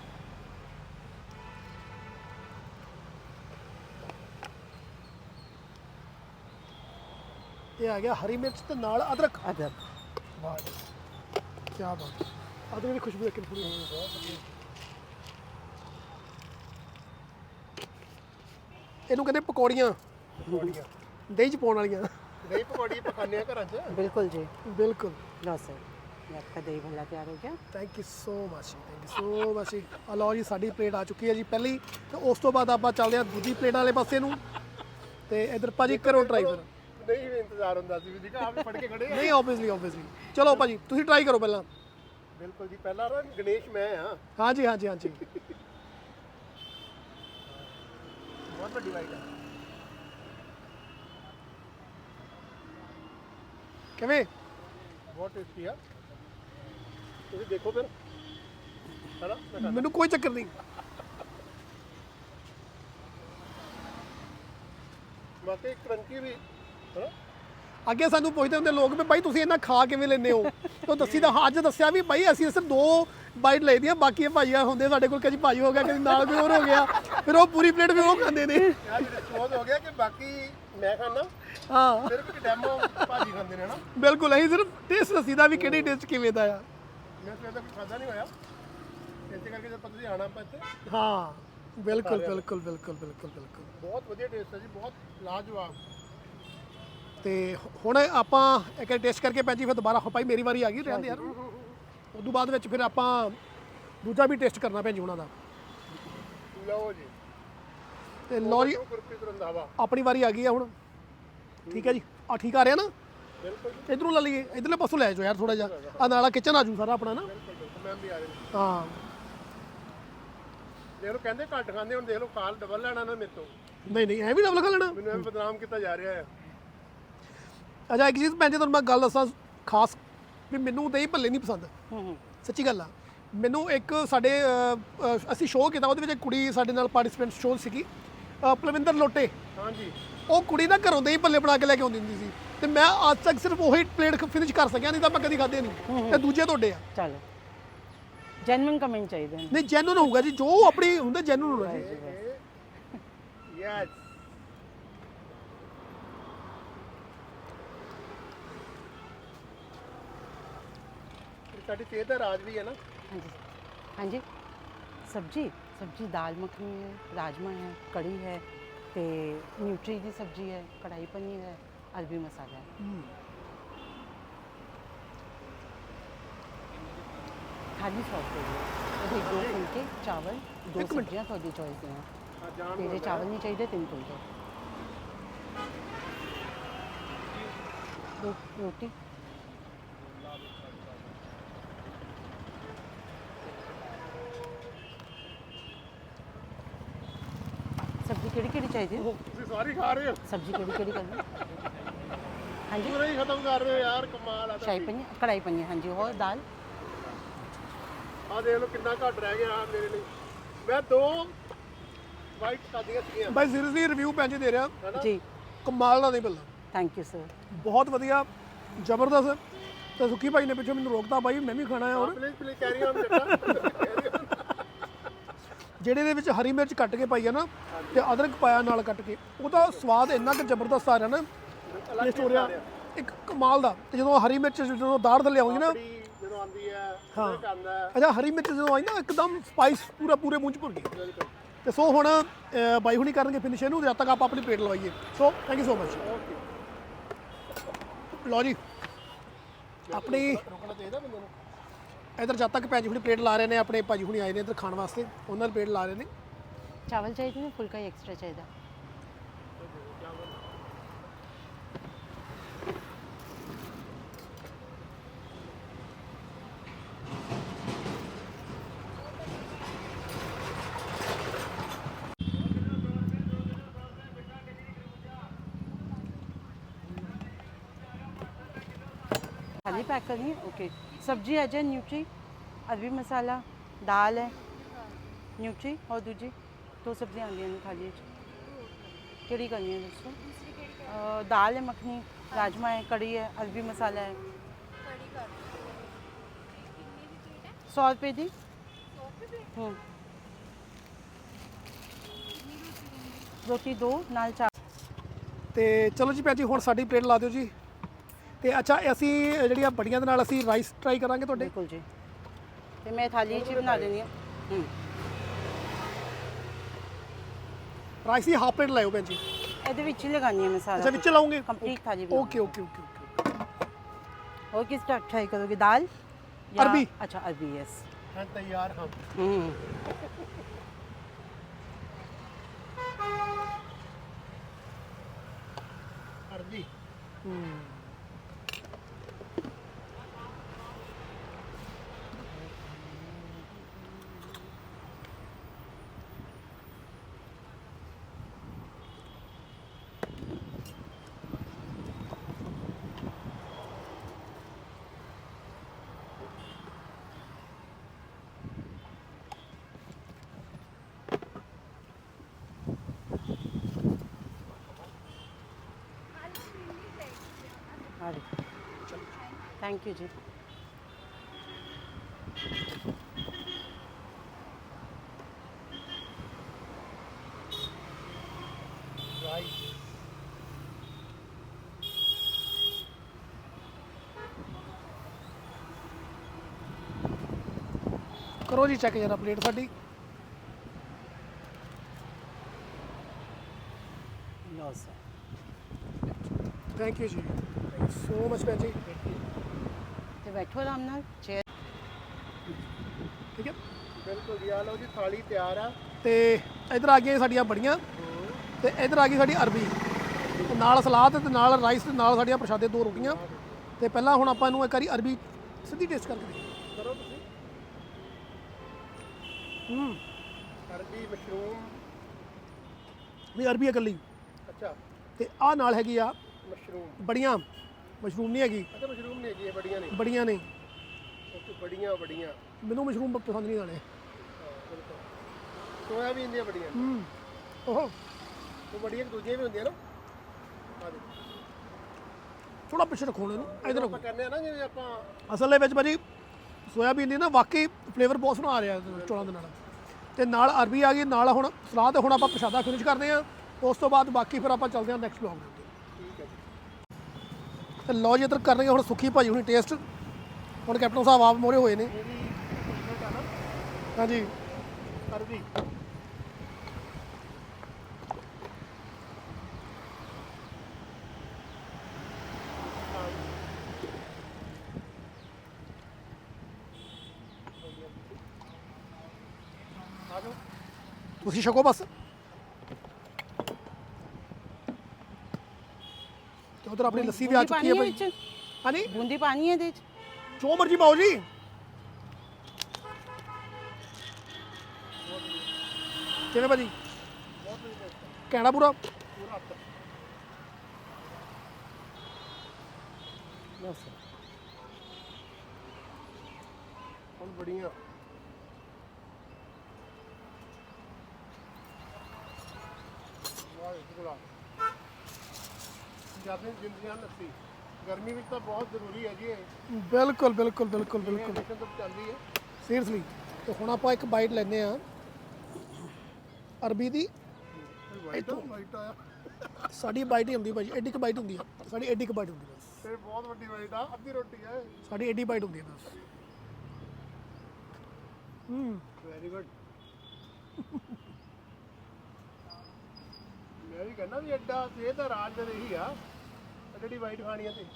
[SPEAKER 1] ਇਹ ਆ ਗਿਆ ਹਰੀ ਮਿਰਚ ਤੇ ਨਾਲ ਅਦਰਕ।
[SPEAKER 2] ਅਦਰਕ।
[SPEAKER 1] ਵਾਹ ਜੀ ਕੀ ਬਾਤ ਹੈ। ਅਦਰਕ ਦੀ ਖੁਸ਼ਬੂ ਇੱਕ ਪੂਰੀ ਬਹੁਤ ਵਧੀਆ। ਇਹਨੂੰ ਕਹਿੰਦੇ ਪਕੌੜੀਆਂ।
[SPEAKER 3] ਪਕੌੜੀਆਂ
[SPEAKER 1] ਦਹੀਂ ਚ ਪਾਉਣ ਵਾਲੀਆਂ।
[SPEAKER 3] ਦਹੀਂ ਪਕੌੜੀ ਪਕਾਉਂਦੇ ਆ ਘਰਾਂ 'ਚ।
[SPEAKER 2] ਬਿਲਕੁਲ ਜੀ।
[SPEAKER 1] ਬਿਲकुल।
[SPEAKER 2] ਲਓ ਸਰ ਇਹ ਆਪਕਾ ਦਹੀਂ ਭੱਲਾ ਤਿਆਰ ਹੋ ਗਿਆ।
[SPEAKER 1] ਥੈਂਕ ਯੂ ਸੋ ਮਚ ਜੀ, ਥੈਂਕ ਯੂ ਸੋ ਮਚ ਜੀ। ਆ ਲਓ ਜੀ ਸਾਡੀ ਪਲੇਟ ਆ ਚੁੱਕੀ ਹੈ ਜੀ ਪਹਿਲੀ, ਤੇ ਉਸ ਤੋਂ ਬਾਅਦ ਆਪਾਂ ਚੱਲਦੇ ਹਾਂ ਦੂਜੀ ਪਲੇਟ ਵਾਲੇ ਪਾਸੇ ਨੂੰ। ਤੇ ਇਧਰ ਭਾਜੀ ਕਰੋ ਟਰਾਈ ਫਿਰ।
[SPEAKER 3] ਨਹੀਂ ਵੀ ਇੰਤਜ਼ਾਰ ਹੁੰਦਾ ਸੀ ਵੀ ਦੇਖਾ ਆਪ ਹੀ ਫੜ ਕੇ ਖੜੇ ਆ।
[SPEAKER 1] ਨਹੀਂ ਆਬਵੀਅਸਲੀ ਆਬਵੀਅਸਲੀ। ਚਲੋ ਭਾਜੀ ਤੁਸੀਂ ਟਰਾਈ ਕਰੋ ਪਹਿਲਾਂ।
[SPEAKER 3] ਬਿਲਕੁਲ ਜੀ। ਪਹਿਲਾ ਰਾਂ ਗਣੇਸ਼ ਮੈਂ ਆ।
[SPEAKER 1] ਹਾਂਜੀ ਹਾਂਜੀ ਹਾਂਜੀ।
[SPEAKER 3] ਬਹੁਤ ਵੱਡੀ ਵਾਈਟ ਆ।
[SPEAKER 1] ਕਿਵੇਂ?
[SPEAKER 3] ਬਹੁਤ ਟੇਸਟੀ ਆ। ਤੁਸੀਂ ਦੇਖੋ ਫਿਰ ਹੈਨਾ।
[SPEAKER 1] ਮੈਨੂੰ ਕੋਈ ਚੱਕਰ ਨਹੀਂ।
[SPEAKER 3] ਬਾਕੀ ਕਰੰਚੀ ਵੀ ਹੈਨਾ।
[SPEAKER 1] ਅੱਗੇ ਸਾਨੂੰ ਪੁੱਛਦੇ ਹੁੰਦੇ ਲੋਕ ਵੀ ਬਾਈ ਤੁਸੀਂ ਇਹਨਾਂ ਖਾ ਕਿਵੇਂ ਲੈਂਦੇ ਹੋ? ਤਾਂ ਦੱਸੀ ਤਾਂ ਅੱਜ ਦੱਸਿਆ ਵੀ ਬਾਈ ਅਸੀਂ ਸਿਰਫ ਦੋ ਬਾਈਟ ਲਈਦੀਆਂ, ਬਾਕੀ ਇਹ ਭਾਈਆ ਹੁੰਦੇ ਸਾਡੇ ਕੋਲ, ਕਦੀ ਭਾਈ ਹੋ ਗਿਆ ਕਦੀ ਨਾਲ ਕੋਈ ਹੋਰ ਹੋ ਗਿਆ, ਫਿਰ ਉਹ ਪੂਰੀ ਪਲੇਟ ਵੀ ਉਹ ਖਾਂਦੇ ਨੇ।
[SPEAKER 3] ਯਾਰ ਸੋਚ ਹੋ ਗਿਆ ਕਿ ਬਾਕੀ ਮੈਂ ਖਾਣਾ,
[SPEAKER 1] ਹਾਂ
[SPEAKER 3] ਸਿਰਫ ਇੱਕ ਡੈਮੋ ਭਾਜੀ ਖਾਂਦੇ ਨੇ ਨਾ।
[SPEAKER 1] ਬਿਲਕੁਲ। ਅਸੀਂ ਸਿਰਫ ਟੇਸਟ ਦੱਸੀਦਾ ਵੀ ਕਿਹੜੀ ਟੇਸਟ ਕਿਵੇਂ ਦਾ ਆ।
[SPEAKER 3] ਮੈਂ ਸਵੇਰ ਦਾ ਕੁਝ ਖਾਦਾ ਨਹੀਂ ਹੋਇਆ, ਇਸੇ ਕਰਕੇ ਜਦ ਤੁਸੀਂ ਆਣਾ ਆਪਾਂ ਇੱਥੇ।
[SPEAKER 1] ਹਾਂ ਬਿਲਕੁਲ ਬਿਲਕੁਲ ਬਿਲਕੁਲ ਬਿਲਕੁਲ ਬਿਲਕੁਲ।
[SPEAKER 3] ਬਹੁਤ ਵਧੀਆ ਟੇਸਟ ਹੈ ਜੀ, ਬਹੁਤ ਲਾਜਵਾਬ।
[SPEAKER 1] ਤੇ ਹੁਣ ਆਪਾਂ ਇੱਕ ਟੇਸਟ ਕਰਕੇ ਭੈਣ ਜੀ ਫਿਰ ਦੁਬਾਰਾ ਭਾਈ ਮੇਰੀ ਵਾਰੀ ਆ ਗਈ ਰਹਿੰਦੇ ਯਾਰ। ਉਦੋਂ ਬਾਅਦ ਵਿੱਚ ਫਿਰ ਆਪਾਂ ਦੂਜਾ ਵੀ ਟੇਸਟ ਕਰਨਾ ਭੈਣ ਜੀ ਉਹਨਾਂ ਦਾ।
[SPEAKER 3] ਲਓ ਜੀ।
[SPEAKER 1] ਤੇ ਲਓ ਜੀ
[SPEAKER 3] ਗੁਰਪ੍ਰੀਤ ਰੰਧਾਵਾ
[SPEAKER 1] ਆਪਣੀ ਵਾਰੀ ਆ ਗਈ ਆ ਹੁਣ। ਠੀਕ ਹੈ ਜੀ। ਆ ਠੀਕ ਆ ਰਿਹਾ ਨਾ?
[SPEAKER 3] ਬਿਲਕੁਲ ਜੀ।
[SPEAKER 1] ਇਧਰੋਂ ਲੈ ਲਈਏ, ਇਧਰਲੇ ਪਾਸੋਂ ਲੈ ਜਾਓ ਯਾਰ ਥੋੜਾ ਜਿਹਾ। ਆ ਨਾਲਾ ਕਿਚਨ ਆ ਜੂ ਸਾਰਾ ਆਪਣਾ ਨਾ।
[SPEAKER 3] ਬਿਲਕੁਲ ਬਿਲਕੁਲ ਮੈਮ ਵੀ ਆ ਰਹੇ ਨੇ।
[SPEAKER 1] ਹਾਂ
[SPEAKER 3] ਦੇਖ ਲਓ ਕਹਿੰਦੇ ਘੱਟ ਖਾਂਦੇ, ਹੁਣ ਦੇਖ ਲਓ ਖਾਲ ਡਬਲ ਲੈਣਾ ਨਾ ਮੇਰੇ ਤੋਂ।
[SPEAKER 1] ਨਹੀਂ ਨਹੀਂ ਐ ਵੀ ਡਬਲ ਖਾ ਲੈਣਾ।
[SPEAKER 3] ਮੈਨੂੰ ਐਵੇਂ ਬਦਨਾਮ ਕੀਤਾ ਜਾ ਰਿਹਾ ਹੈ।
[SPEAKER 1] ਅੱਛਾ ਇੱਕ ਚੀਜ਼ ਭੈਣ ਜੀ ਤੁਹਾਨੂੰ ਮੈਂ ਗੱਲ ਦੱਸਾਂ ਖਾਸ, ਵੀ ਮੈਨੂੰ ਦਹੀਂ ਭੱਲੇ ਨਹੀਂ ਪਸੰਦ।
[SPEAKER 2] ਹੂੰ ਹੂੰ।
[SPEAKER 1] ਸੱਚੀ ਗੱਲ ਆ। ਮੈਨੂੰ ਇੱਕ ਸਾਡੇ ਅ, ਅ, ਅਸੀਂ ਸ਼ੋਅ ਕੀਤਾ, ਉਹਦੇ ਵਿੱਚ ਇੱਕ ਕੁੜੀ ਸਾਡੇ ਨਾਲ ਪਾਰਟਿਸਪੈਂਟ ਸ਼ੋਅ ਸੀਗੀ, ਅ, ਪਲਵਿੰਦਰ ਲੋਟੇ।
[SPEAKER 3] ਹਾਂਜੀ।
[SPEAKER 1] ਉਹ ਕੁੜੀ ਨਾ ਘਰੋਂ ਦਹੀਂ ਭੱਲੇ ਬਣਾ ਕੇ ਲੈ ਕੇ ਆਉਂਦੀ ਹੁੰਦੀ ਸੀ, ਤੇ ਮੈਂ ਅੱਜ ਤੱਕ ਸਿਰਫ ਉਹੀ ਪਲੇਟ ਫਿਨਿਸ਼ ਕਰ ਸਕਿਆ, ਨਹੀਂ ਤਾਂ ਮੈਂ ਕਦੀ ਖਾਦੇ ਨਹੀਂ। ਤੇ ਦੂਜੇ ਤੁਹਾਡੇ ਆ।
[SPEAKER 2] ਚਲੋ ਜੈਨੂਇਨ ਕਮੈਂਟ ਚਾਹੀਦੇ ਨੇ।
[SPEAKER 1] ਨਹੀਂ ਜੈਨੂਨ ਹੋਊਗਾ ਜੀ, ਜੋ ਆਪਣੀ ਹੁੰਦਾ ਜੈਨੂਨ ਹੋਣਾ ਜੀ।
[SPEAKER 3] ਯੈਸ। ਸਾਡੀ ਸਿਹਤ ਦਾ ਰਾਜ ਵੀ ਹੈ ਨਾ।
[SPEAKER 2] ਹਾਂਜੀ ਹਾਂਜੀ। ਸਬਜੀ ਸਬਜੀ ਦਾਲ ਮੱਖਣੀ ਹੈ, ਰਾਜਮਾ ਹੈ, ਕੜੀ ਹੈ, ਤੇ ਨਿਊਟਰੀ ਦੀ ਸਬਜੀ ਹੈ, ਕੜਾਈ ਪਨੀਰ ਹੈ, ਅਰਬੀ ਮਸਾਲਾ ਹੈ। थाली सौ रुपये की है। दो फुलके चावल दो सब्जियां थोड़ी चॉइस ਦੀਆਂ ਤੇਰੇ ਚਾਵਲ ਨਹੀਂ ਚਾਹੀਦੇ ਤਿੰਨ ਫੁਲਕੇ ਦੋ ਰੋਟੀ ਸਬਜ਼ੀ ਕਿਹੜੀ ਕਿਹੜੀ ਚਾਹੀਦੀ ਹੈ?
[SPEAKER 3] ਤੁਸੀਂ ਸਾਰੀ ਖਾ ਰਹੇ ਹੋ
[SPEAKER 2] ਸਬਜ਼ੀ ਕਿਹੜੀ ਕਿਹੜੀ ਕਰਨੀ ਹਾਂਜੀ
[SPEAKER 3] ਪੂਰਾ ਹੀ ਖਤਮ ਕਰ ਰਹੇ ਹੋ ਯਾਰ, ਕਮਾਲ ਆ
[SPEAKER 2] ਸ਼ਾਹੀ ਪਨੀਰ ਕੜਾਈ ਪਨੀਰ ਹਾਂਜੀ ਹੋਰ ਦਾਲ
[SPEAKER 3] ਆ ਦੇਖ ਲਓ ਕਿੰਨਾ ਘੱਟ ਰਹਿ ਗਿਆ ਮੇਰੇ ਲਈ। ਮੈਂ ਦੋ ਵਾਈਟ ਖਾਦੀਆਂ ਸੀਗੀਆਂ
[SPEAKER 1] ਬਾਈ ਸੀਰੀਅਸਲੀ ਰਿਵਿਊ ਭੈਣ ਜੀ ਦੇ ਰਿਹਾ,
[SPEAKER 2] ਜੀ
[SPEAKER 1] ਕਮਾਲ ਦਾ ਨਹੀਂ ਮਿਲਦਾ,
[SPEAKER 2] ਥੈਂਕ ਯੂ ਸਰ
[SPEAKER 1] ਬਹੁਤ ਵਧੀਆ, ਜ਼ਬਰਦਸਤ। ਤੇ ਸੁੱਕੀ ਭਾਈ ਨੇ ਪਿੱਛੋਂ ਮੈਨੂੰ ਰੋਕਤਾ, ਬਾਈ ਮੈਂ ਵੀ ਖਾਣਾ ਹੈ। ਔਰ
[SPEAKER 3] ਪਲੀਜ਼ ਪਲੀਜ਼ ਕੈਰੀ ਆਨ ਬੇਟਾ।
[SPEAKER 1] ਜਿਹੜੇ ਦੇ ਵਿੱਚ ਹਰੀ ਮਿਰਚ ਕੱਟ ਕੇ ਪਾਈ ਆ ਨਾ ਤੇ ਅਦਰਕ ਪਾਇਆ ਨਾਲ ਕੱਟ ਕੇ, ਉਹਦਾ ਸਵਾਦ ਇੰਨਾ ਕਿ ਜ਼ਬਰਦਸਤ ਆ ਰਿਹਾ ਨਾ, ਟੇਸਟ ਹੋ ਰਿਹਾ ਇੱਕ ਕਮਾਲ ਦਾ। ਤੇ ਜਦੋਂ ਹਰੀ ਮਿਰਚ ਜਦੋਂ ਦਾੜ ਥੱਲੇ ਆਉਂਦੀ ਨਾ,
[SPEAKER 3] ਜਦੋਂ ਆਉਂਦੀ ਹੈ
[SPEAKER 1] ਹਾਂ
[SPEAKER 3] ਉਹ ਆਉਂਦਾ ਹੈ
[SPEAKER 1] ਅੱਛਾ ਹਰੀ ਮਿਰਚ ਜਦੋਂ ਆਈ ਨਾ ਇੱਕਦਮ ਸਪਾਈਸ ਪੂਰਾ ਪੂਰੇ ਮੂੰਹ 'ਚ ਭੁਰ ਗਈ। ਤੇ ਸੋ ਹੁਣ ਅ, ਬਾਈ ਹੁਣੀ ਕਰਨਗੇ ਫਿਨਿਸ਼ ਇਹਨੂੰ, ਜਦ ਤੱਕ ਆਪਾਂ ਆਪਣੀ ਪਲੇਟ ਲਵਾਈਏ। So thank you so much. ਲਓ ਜੀ ਆਪਣੀ
[SPEAKER 3] ਰੁਕਣਾ ਚਾਹੀਦਾ ਬੰਦੇ ਨੂੰ।
[SPEAKER 1] ਇਧਰ ਜਦ ਤੱਕ ਭਾਜੀ ਹੁਣੀ ਪਲੇਟ ਲਾ ਰਹੇ ਨੇ, ਆਪਣੇ ਭਾਜੀ ਹੁਣੀ ਆਏ ਨੇ ਇੱਧਰ ਖਾਣ ਵਾਸਤੇ, ਉਹਨਾਂ ਦੀ ਪਲੇਟ ਲਾ ਰਹੇ ਨੇ।
[SPEAKER 2] ਚਾਵਲ ਚਾਹੀਦੇ ਨੇ ਫੁਲਕਾ ਹੀ ਐਕਸਟਰਾ ਚਾਹੀਦਾ थाली पैक करनी है ओके सब्जी आ जाए न्यूट्री अरबी मसाला दाल है न्यूट्री और दूजी दो सब्जियां आंदी हैं थाली केड़ी करनी है दोस्तों अ, दाल है मखनी राजमा है कड़ी है अरबी मसाला है सौ रुपये दी हम्म रोटी दो नाल चावल
[SPEAKER 1] ਤੇ ਚਲੋ ਜੀ ਭਾਜੀ ਹੁਣ ਸਾਡੀ ਪਲੇਟ ਲਾ ਦਿਓ ਜੀ। ਤੇ ਅੱਛਾ ਅਸੀਂ ਜਿਹੜੀਆਂ ਬੜੀਆਂ ਦੇ ਨਾਲ ਅਸੀਂ ਰਾਈਸ ਟਰਾਈ ਕਰਾਂਗੇ ਤੁਹਾਡੇ।
[SPEAKER 2] बिल्कुल जी तो मैं थाली च बना देनी है हम्म
[SPEAKER 1] ਰਾਈਸ ਦੀ ਹਾਫ ਪਲੇਟ ਲਾਇਓ ਭੈਣ ਜੀ।
[SPEAKER 2] ਇਹਦੇ ਵਿੱਚ ਹੀ ਲਗਾਨੀ ਹੈ
[SPEAKER 1] ਅੱਛਾ
[SPEAKER 2] ਮਸਾਲਾ
[SPEAKER 1] ਵਿੱਚ ਲਾਉਂਗੇ?
[SPEAKER 2] ਕੰਪਲੀਟ थाली
[SPEAKER 1] ਓਕੇ ਓਕੇ ਓਕੇ ਓਕੇ।
[SPEAKER 2] और किस टाइप ट्राई करोगे दाल या-
[SPEAKER 1] अरबी।
[SPEAKER 2] अच्छा अरबी यस
[SPEAKER 3] ਹਾਂ ਤਿਆਰ ਹਾਂ
[SPEAKER 2] हम्म
[SPEAKER 3] ਅਰਬੀ
[SPEAKER 2] थैंक यू जी
[SPEAKER 3] ਰਾਈਸ
[SPEAKER 1] ਕਰੋ ਜੀ ਚੈੱਕ ਜਰਾ ਪਲੇਟ ਸਾਡੀ।
[SPEAKER 2] लो सर
[SPEAKER 1] ਥੈਂਕ ਯੂ ਜੀ, ਥੈਂਕ ਯੂ ਸੋ ਮਚ ਭੈਣ ਜੀ।
[SPEAKER 2] तो बैठो आराम नाल चेयर
[SPEAKER 1] ਠੀਕ ਹੈ
[SPEAKER 3] ਬਿਲਕੁਲ ਜੀ। ਆ ਲਓ ਜੀ ਥਾਲੀ ਤਿਆਰ ਆ।
[SPEAKER 1] ਤੇ ਇਧਰ ਆ ਗਈਆਂ ਸਾਡੀਆਂ ਬੜੀਆਂ ਤੇ ਇਧਰ ਆ ਗਈ ਸਾਡੀ ਅਰਬੀ ਤੇ ਨਾਲ ਸਲਾਦ ਤੇ ਨਾਲ ਰਾਈਸ ਤੇ ਨਾਲ ਸਾਡੀਆਂ ਪ੍ਰਸ਼ਾਦੇ ਦੋ ਰੋਟੀਆਂ। ਤੇ ਪਹਿਲਾਂ ਹੁਣ ਆਪਾਂ ਇਹਨੂੰ ਇੱਕ ਵਾਰੀ ਅਰਬੀ ਸਿੱਧੀ ਟੇਸਟ ਕਰਕੇ ਦੇਖੀਏ।
[SPEAKER 3] ਕਰੋ ਤੁਸੀਂ।
[SPEAKER 1] ਹੂੰ
[SPEAKER 3] ਅਰਬੀ ਮਸ਼ਰੂਮ
[SPEAKER 1] ਵੀ ਅਰਬੀ ਇਕੱਲੀ
[SPEAKER 3] ਅੱਛਾ
[SPEAKER 1] ਤੇ ਆਹ ਨਾਲ ਹੈਗੀ ਆ
[SPEAKER 3] ਮਸ਼ਰੂਮ
[SPEAKER 1] ਬੜੀਆਂ, ਮਸ਼ਰੂਮ ਨਹੀਂ ਹੈਗੀ,
[SPEAKER 3] ਅੱਛਾ ਮਸ਼ਰੂਮ ਨਹੀਂ ਹੈਗੀ ਇਹ ਬੜੀਆਂ ਨੇ
[SPEAKER 1] ਬੜੀਆਂ ਨੇ।
[SPEAKER 3] ਓਕੇ ਬੜੀਆਂ ਬੜੀਆਂ
[SPEAKER 1] ਮੈਨੂੰ ਮਸ਼ਰੂਮ ਪਸੰਦ ਨਹੀਂ ਆਣੇ।
[SPEAKER 3] ਸੋਇਆਬੀਨ ਦੀਆਂ ਬੜੀਆਂ
[SPEAKER 1] ਹੂੰ ਓਹੋ
[SPEAKER 3] ਉਹ ਬੜੀਆਂ ਦੂਜੀਆਂ ਵੀ ਹੁੰਦੀਆਂ ਨਾ। ਆ ਦੇ
[SPEAKER 1] ਥੋੜਾ ਪਿੱਛੇ ਰੱਖੋ ਇਹਨੂੰ, ਇਧਰ ਰੱਖੋ।
[SPEAKER 3] ਆਪਾਂ ਕਹਿੰਦੇ ਆ ਨਾ ਜਿਵੇਂ ਆਪਾਂ
[SPEAKER 1] ਅਸਲ ਦੇ ਵਿੱਚ ਭਾਜੀ ਸੋਇਆਬੀਨ ਦੀ ਨਾ ਵਾਕਈ ਫਲੇਵਰ ਬਹੁਤ ਸੋਹਣਾ ਆ ਰਿਹਾ ਚੌਲਾਂ ਦੇ ਨਾਲ। ਤੇ ਨਾਲ ਅਰਬੀ ਆ ਗਈ, ਨਾਲ ਹੁਣ ਸਲਾਦ। ਹੁਣ ਆਪਾਂ ਪ੍ਰਸ਼ਾਦਾ ਫਿਨਿਸ਼ ਕਰਦੇ ਹਾਂ, ਉਸ ਤੋਂ ਬਾਅਦ ਬਾਕੀ ਫਿਰ ਆਪਾਂ ਚੱਲਦੇ ਹਾਂ ਨੈਕਸਟ ਵਲੌਗ ਦੇ ਉੱਤੇ।
[SPEAKER 3] ਠੀਕ ਹੈ ਜੀ।
[SPEAKER 1] ਤੇ ਲਓ ਜੀ ਇੱਧਰ ਕਰਨਗੇ ਹੁਣ ਸੁੱਖੀ ਭਾਜੀ ਹੁਣੀ ਟੇਸਟ। ਹੁਣ ਕੈਪਟਨ ਸਾਹਿਬ ਆਪ ਮੋਰੇ ਹੋਏ ਨੇ।
[SPEAKER 3] ਮੇਰੀ ਫੇਵਰਟ ਆ ਨਾ
[SPEAKER 1] ਹਾਂਜੀ
[SPEAKER 3] ਅਰਬੀ। ਆ ਜਾਓ।
[SPEAKER 1] ਤੁਸੀਂ ਛਕੋ ਬਸ। ਤੇ ਉਧਰ ਆਪਣੀ ਲੱਸੀ ਵੀ ਆ
[SPEAKER 2] ਬੂੰਦੀ
[SPEAKER 1] ਚੁੱਕੀ ਹੈ
[SPEAKER 2] ਪਾਣੀ
[SPEAKER 1] ਭਾਈ।
[SPEAKER 2] ਵਿੱਚ?
[SPEAKER 1] ਹਾਂਜੀ
[SPEAKER 2] ਬੂੰਦੀ ਪਾਣੀ ਹੈ ਇਹਦੇ ਚ?
[SPEAKER 1] ਜੋ ਮਰਜੀ ਪਾਓ ਜੀ। ਕਿਵੇਂ ਭਾਜੀ? ਕਹਿਣਾ ਪੂਰਾ
[SPEAKER 3] ਪੂਰਾ ਹੱਥ
[SPEAKER 1] ਬਸ।
[SPEAKER 3] ਹੁਣ ਬੜੀਆਂ ਵਾਹ ਗੁਲਾ ਜਿਆਦਾ ਜ਼ਿੰਦਗੀਆਂ ਲੱਸੀ ਗਰਮੀ ਵਿੱਚ ਤਾਂ ਬਹੁਤ ਜ਼ਰੂਰੀ ਹੈ ਜੀ ਇਹ
[SPEAKER 1] ਬਿਲਕੁਲ ਬਿਲਕੁਲ ਬਿਲਕੁਲ ਬਿਲਕੁਲ
[SPEAKER 3] ਇੰਜੈਕਸ਼ਨ ਤੋਂ ਚੱਲਦੀ ਹੈ
[SPEAKER 1] ਸੀਰੀਅਸਲੀ। ਤੇ ਹੁਣ ਆਪਾਂ ਇੱਕ ਬਾਈਟ ਲੈਂਦੇ ਆ ਅਰਬੀ ਦੀ।
[SPEAKER 3] ਵਾਈਟ ਵਾਈਟ ਆਇਆ
[SPEAKER 1] ਸਾਡੀ ਬਾਈਟ ਹੀ ਹੁੰਦੀ ਭਾਜੀ, ਐਡੀ ਕੁ ਬਾਈਟ ਹੁੰਦੀ ਆ ਸਾਡੀ, ਐਡੀ ਕੁ ਬਾਈਟ ਹੁੰਦੀ ਬਸ।
[SPEAKER 3] ਇਹ ਬਹੁਤ ਵੱਡੀ ਵਾਈਟ ਆ, ਅੱਧੀ ਰੋਟੀ ਹੈ
[SPEAKER 1] ਸਾਡੀ ਐਡੀ ਬਾਈਟ ਹੁੰਦੀ ਹੈ ਬਸ। ਹੂੰ
[SPEAKER 3] ਵੈਰੀ ਗੁੱਡ। ਮੈਂ ਵੀ ਕਹਿੰਦਾ ਵੀ ਐਡਾ ਇਹ ਤਾਂ ਰਾਜ ਦੇ ਇਹੀ ਆ ਜਿਹੜੀ ਵਾਈਟ ਖਾਣੀ ਆ ਤੇ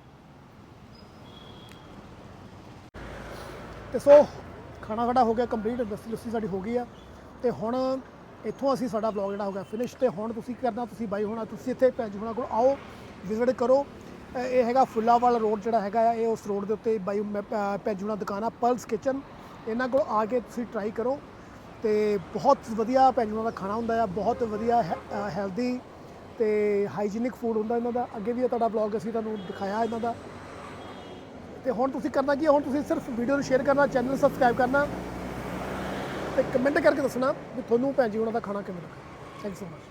[SPEAKER 1] ਤੇ ਸੋ ਖਾਣਾ ਸਾਡਾ ਹੋ ਗਿਆ ਕੰਪਲੀਟ, ਲੱਸੀ ਲੱਸੀ ਸਾਡੀ ਹੋ ਗਈ ਆ। ਤੇ ਹੁਣ ਇੱਥੋਂ ਅਸੀਂ ਸਾਡਾ ਵਲੌਗ ਜਿਹੜਾ ਹੋ ਗਿਆ ਫਿਨਿਸ਼। ਤੇ ਹੁਣ ਤੁਸੀਂ ਕੀ ਕਰਨਾ, ਤੁਸੀਂ ਬਾਈ ਹੋਣਾ, ਤੁਸੀਂ ਇੱਥੇ ਭੈਣ ਜੀ ਹੋਣਾ ਕੋਲ ਆਓ, ਵਿਜ਼ਿਟ ਕਰੋ। ਅ, ਇਹ ਹੈਗਾ ਫੁੱਲਾਵਾਲ ਰੋਡ ਜਿਹੜਾ ਹੈਗਾ ਆ, ਇਹ ਉਸ ਰੋਡ ਦੇ ਉੱਤੇ ਬਾਈ ਮੈਂ ਭ- ਭੈਣ ਜੀ ਹੋਣਾ ਦੁਕਾਨ ਆ ਪਲਸ ਕਿਚਨ। ਇਹਨਾਂ ਕੋਲ ਆ ਕੇ ਤੁਸੀਂ ਟਰਾਈ ਕਰੋ। ਤੇ ਬਹੁਤ ਵਧੀਆ ਭੈਣ ਜੀ ਹੋਣਾ ਦਾ ਖਾਣਾ ਹੁੰਦਾ ਆ, ਬਹੁਤ ਵਧੀਆ ਹੈਲਦੀ ਤੇ ਹਾਈਜੀਨਿਕ ਫੂਡ ਹੁੰਦਾ ਇਹਨਾਂ ਦਾ। ਅੱਗੇ ਵੀ ਇਹ ਤੁਹਾਡਾ ਵਲੌਗ ਅਸੀਂ ਤੁਹਾਨੂੰ ਦਿਖਾਇਆ ਇਹਨਾਂ ਦਾ। ਤੇ ਹੁਣ ਤੁਸੀਂ ਕਰਨਾ ਕੀ ਹੈ, ਹੁਣ ਤੁਸੀਂ ਸਿਰਫ ਵੀਡੀਓ ਨੂੰ ਸ਼ੇਅਰ ਕਰਨਾ, ਚੈਨਲ ਸਬਸਕ੍ਰਾਈਬ ਕਰਨਾ ਤੇ ਕਮੈਂਟ ਕਰਕੇ ਦੱਸਣਾ ਵੀ ਤੁਹਾਨੂੰ ਭੈਣ ਜੀ ਉਹਨਾਂ ਦਾ ਖਾਣਾ ਕਿਵੇਂ ਲੱਗਾ। Thank you so much.